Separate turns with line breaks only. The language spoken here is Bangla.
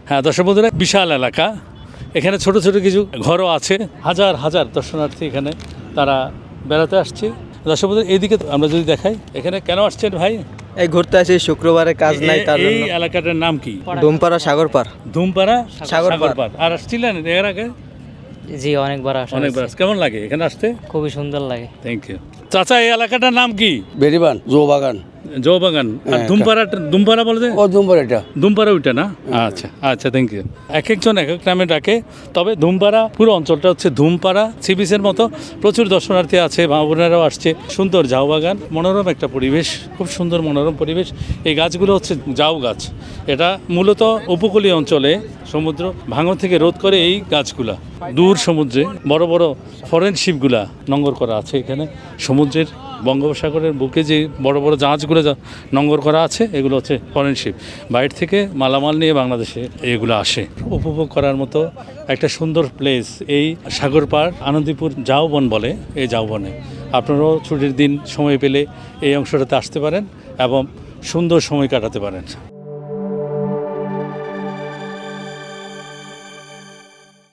হ্যাঁ দর্শক বন্ধুরা, বিশাল এলাকা, এখানে ছোট ছোট কিছু ঘরও আছে, হাজার হাজার দর্শনার্থী এখানে তারা বেড়াতে আসছে। দর্শক বন্ধুরা, এইদিকে আমরা যদি দেখাই, এখানে কেন আসছেন ভাই?
এই ঘুরতে আসি, শুক্রবারে কাজ নাই তার
এই
জন্য।
এলাকাটার নাম কি?
ডুমপাড়া সাগরপাড়।
ধুমপাড়া
সাগরপাড়।
সাগরপাড়। আর আসছিলেন এর আগে?
জি অনেকবার আসা
অনেকবার।
হয়েছে।
কেমন লাগে এখানে আসতে?
খুবই সুন্দর লাগে।
Thank you. চাচা, এই এলাকাটার নাম কি?
বেরিবান জোবাগান
জৌবাগান। আর
হ্যাঁ,
ধুমপাড়া বলে যে
ও দুম্বর এটা
ধুমপাড়া ওইটা না? আচ্ছা আচ্ছা, থ্যাংক ইউ। এক একজন এক এক নামে ডাকে, তবে ধুমপাড়া পুরো অঞ্চলটা হচ্ছে ধুমপাড়া। সি বিচের মতো প্রচুর দর্শনার্থী আছে, মা বোনেরাও আসছে। সুন্দর ঝাউ বাগান, মনোরম একটা পরিবেশ, খুব সুন্দর মনোরম পরিবেশ। এই গাছগুলো হচ্ছে ঝাউ গাছ। এটা মূলত উপকূলীয় অঞ্চলে সমুদ্র ভাঙন থেকে রোধ করে এই গাছগুলা। দূর সমুদ্রে বড় বড় ফরেন শিপগুলা নোঙর করা আছে এখানে। সমুদ্রের বঙ্গোপসাগরের বুকে যে বড় বড় জাহাজগুলো নোঙর করা আছে, এগুলো হচ্ছে ফরেন শিপ। বাইরে থেকে মালামাল নিয়ে বাংলাদেশে এগুলো আসে। উপভোগ করার মতো একটা সুন্দর প্লেস এই সাগর পাড়, আনন্দীপুর ঝাউবন বলে। এই ঝাউবনে আপনারাও ছুটির দিন সময় পেলে এই অংশটাতে আসতে পারেন এবং সুন্দর সময় কাটাতে পারেন।